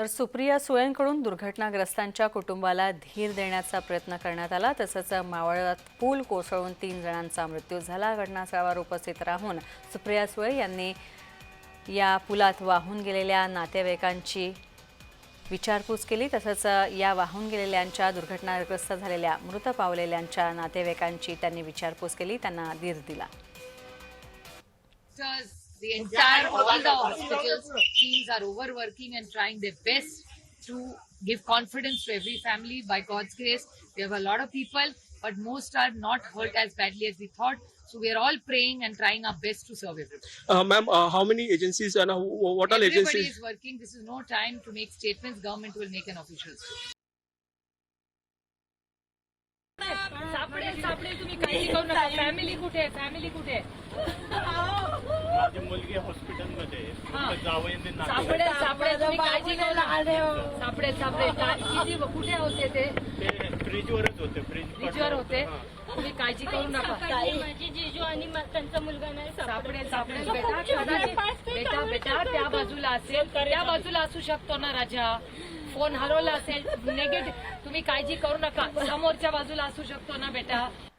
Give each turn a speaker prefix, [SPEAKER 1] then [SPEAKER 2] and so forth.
[SPEAKER 1] तर सुप्रिया सुळेंकडून दुर्घटनाग्रस्तांच्या कुटुंबाला धीर देण्याचा प्रयत्न करण्यात आला। तसंच मावळात पूल कोसळून 3 जणांचा मृत्यू झाला। घटनास्थळावर उपस्थित राहून सुप्रिया सुळे यांनी या पुलात वाहून गेलेल्या नातेवाईकांची विचारपूस केली। तसंच या वाहून गेलेल्यांच्या दुर्घटनाग्रस्त झालेल्या मृत पावलेल्यांच्या नातेवाईकांची त्यांनी विचारपूस केली, त्यांना धीर दिला।
[SPEAKER 2] The entire, all the hospitals teams are overworking and trying their best to give confidence to every family. By God's grace, we have a lot of people, but most are not hurt as badly as we thought. So we are all praying and trying our best to serve everyone.
[SPEAKER 3] Ma'am, how many agencies and what all
[SPEAKER 2] Everybody
[SPEAKER 3] agencies?
[SPEAKER 2] is working. This is no time to make statements. Government will make an official statement.
[SPEAKER 4] सापडेल तुम्ही काळजी करू नका। Family कुठे आहे? Family कुठे आहे?
[SPEAKER 5] माझी मुलगी हॉस्पिटलमध्ये आहे।
[SPEAKER 4] सापडेल तुम्ही काळजी करू नका। सापडेल किती कुठे होते ते
[SPEAKER 5] ब्रिजवरच होते।
[SPEAKER 4] ब्रिजवर होते। तुम्ही काळजी करू नका।
[SPEAKER 6] माझी जीजू आणि त्यांचा मुलगा नाही
[SPEAKER 4] सापडेल बेटा त्या बाजूला असेल, त्या बाजूला असू शकतो ना राजा। फोन हरवला असेल, नेगेटिव्ह, तुम्ही काळजी करू नका, समोरच्या बाजूला असू शकतो ना बेटा।